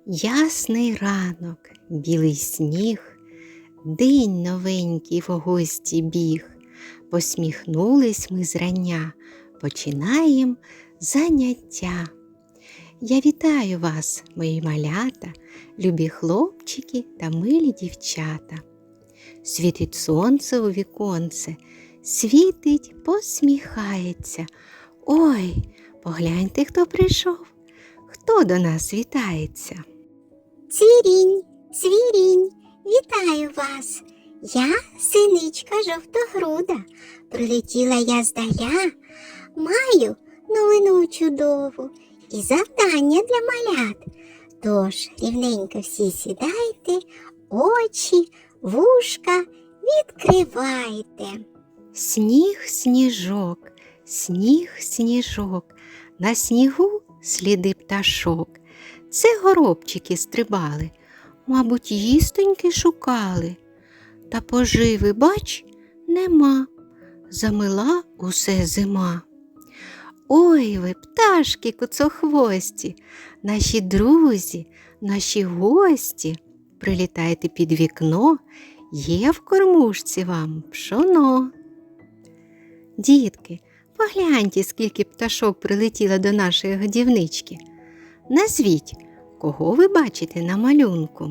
Ясний ранок, білий сніг, день новенький в гості біг. Посміхнулись ми зрання, починаєм заняття. Я вітаю вас, мої малята, любі хлопчики та милі дівчата. Світить сонце у віконце, світить, посміхається. Ой, погляньте, хто прийшов, хто до нас вітається. Цвірінь, цвірінь, вітаю вас. Я синичка жовтогруда. Прилетіла я здаля. Маю новину чудову і завдання для малят. Тож рівненько всі сідайте, очі, вушка відкривайте. Сніг, сніжок, сніг, сніжок, на снігу сліди пташок. Це горобчики стрибали, мабуть, їстоньки шукали. Та поживи, бач, нема, замила усе зима. Ой ви, пташки куцохвості, наші друзі, наші гості, прилітайте під вікно, є в кормушці вам пшоно. Дітки, погляньте, скільки пташок прилетіло до нашої годівнички. Назвіть, кого ви бачите на малюнку?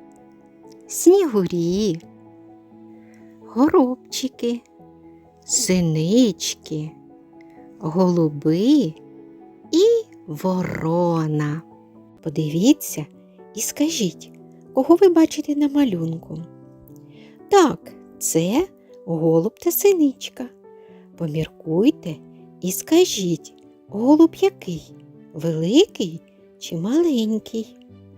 Снігурі, горобчики, синички, голуби і ворона. Подивіться і скажіть, кого ви бачите на малюнку? Так, це голуб та синичка. Поміркуйте і скажіть, голуб який? Великий чи маленький?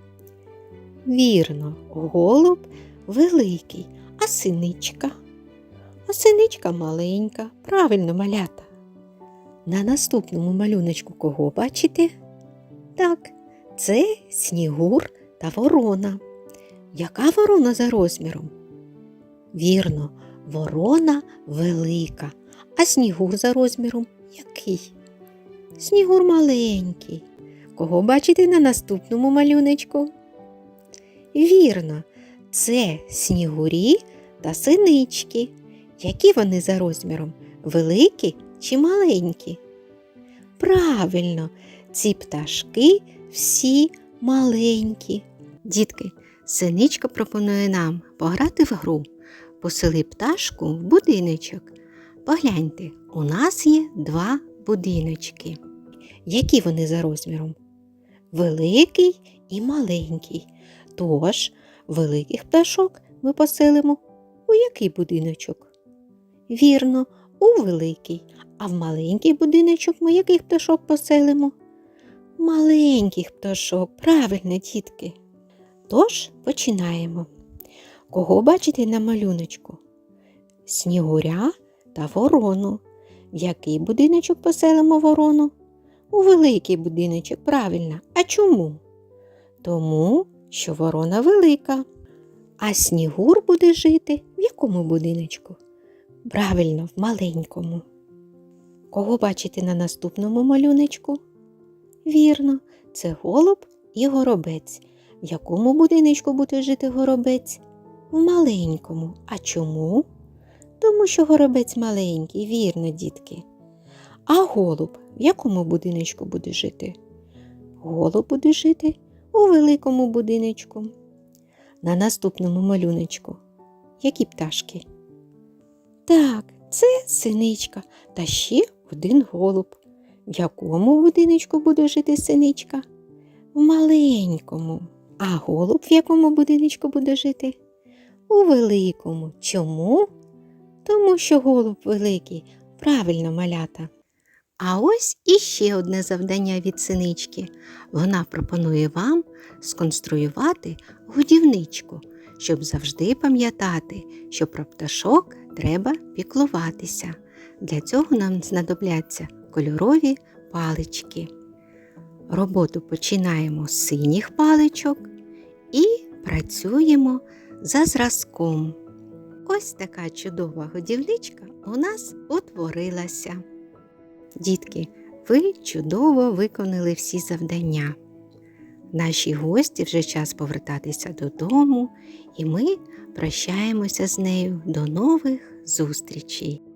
Вірно, голуб великий, а синичка? А синичка маленька, правильно, малята. На наступному малюночку кого бачите? Так, це снігур та ворона. Яка ворона за розміром? Вірно, ворона велика, а снігур за розміром який? Снігур маленький. Кого бачите на наступному малюночку? Вірно, це снігурі та синички. Які вони за розміром? Великі чи маленькі? Правильно, ці пташки всі маленькі. Дітки, синичка пропонує нам пограти в гру. Посели пташку в будиночок. Погляньте, у нас є два будиночки. Які вони за розміром? Великий і маленький. Тож, великих пташок ми поселимо у який будиночок? Вірно, у великий. А в маленький будиночок ми яких пташок поселимо? Маленьких пташок, правильно, дітки. Тож, починаємо. Кого бачите на малюночку? Снігуря та ворону. В який будиночок поселимо ворону? У великий будиночок, правильно. А чому? Тому, що ворона велика. А снігур буде жити в якому будиночку? Правильно, в маленькому. Кого бачите на наступному малюночку? Вірно, це голуб і горобець. В якому будиночку буде жити горобець? В маленькому. А чому? Тому що горобець маленький, вірно, дітки. А голуб в якому будиночку буде жити? Голуб буде жити у великому будиночку. На наступному малюночку які пташки? Так, це синичка та ще один голуб. В якому будиночку буде жити синичка? В маленькому. А голуб в якому будиночку буде жити? У великому. Чому? Тому що голуб великий. Правильно, малята. А ось іще одне завдання від синички. Вона пропонує вам сконструювати годівничку, щоб завжди пам'ятати, що про пташок треба піклуватися. Для цього нам знадобляться кольорові палички. Роботу починаємо з синіх паличок і працюємо за зразком. Ось така чудова годівничка у нас утворилася. Дітки, ви чудово виконали всі завдання. Нашій гості вже час повертатися додому, і ми прощаємося з нею. До нових зустрічей!